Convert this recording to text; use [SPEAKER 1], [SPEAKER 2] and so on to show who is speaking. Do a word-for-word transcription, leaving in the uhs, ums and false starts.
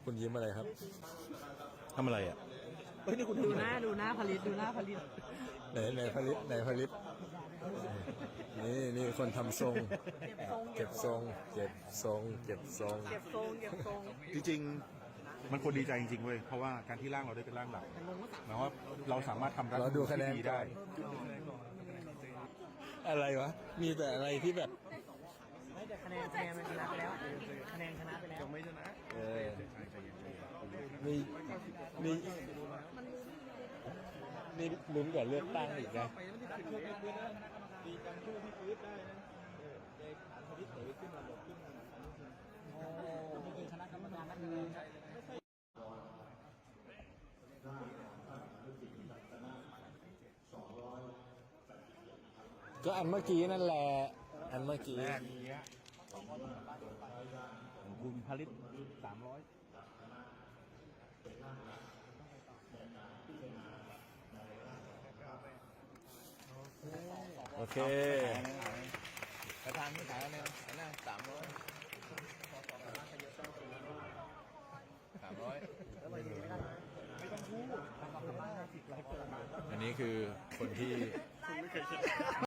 [SPEAKER 1] คุณยิ้มอะไรครับ
[SPEAKER 2] ทำอะไรอ่ะ
[SPEAKER 3] เฮ้ยนี่คุณดูหน้าดูหน้าผลิตดูหน้าผลิต
[SPEAKER 1] ไหนไหนผลิตไหนผลิตนี่นี่คนทำทรง
[SPEAKER 3] เก็บทรง
[SPEAKER 1] เก็บทรงเก็บทรง
[SPEAKER 3] เก็บทรงเก็บทรง
[SPEAKER 2] จริงๆมันควรดีใจจริงๆเว้ยเพราะว่าการที่ร่างเราได้เป็นร่างหลักหมายว่าเราสามารถทำรัฐ
[SPEAKER 1] เราดูคะแนน
[SPEAKER 2] ที่ดี
[SPEAKER 1] ได้
[SPEAKER 2] ได้
[SPEAKER 1] อะไรวะมีแต่อะไรที่แบบ
[SPEAKER 3] ไม่แต่คะแนนคะแนนมันชนะไปแล้วคะแนนชนะไปแล้ว
[SPEAKER 2] ยังไม่ชนะ
[SPEAKER 1] เออมีมีนี่ลุ้นกว่าเลือกตั้งอีกนะ
[SPEAKER 2] ดีการช่วยพี่ฟื้นได้นะเด็กฐานพลิตเต๋อขึ้นมาหลบขึ้นมา
[SPEAKER 3] โอ้มีคณะกรรมการนักเรียน
[SPEAKER 1] ก็อันเมื่อกี้นั่นแหละอันเมื่อกี้
[SPEAKER 2] แรกนี้ของคุณผลิตสามร้อย
[SPEAKER 1] โอเค
[SPEAKER 2] กระทางนี้ขายอะไรนะสามร้อยสามร้อยไม่ต้องพูด
[SPEAKER 1] อันนี้คือคนที่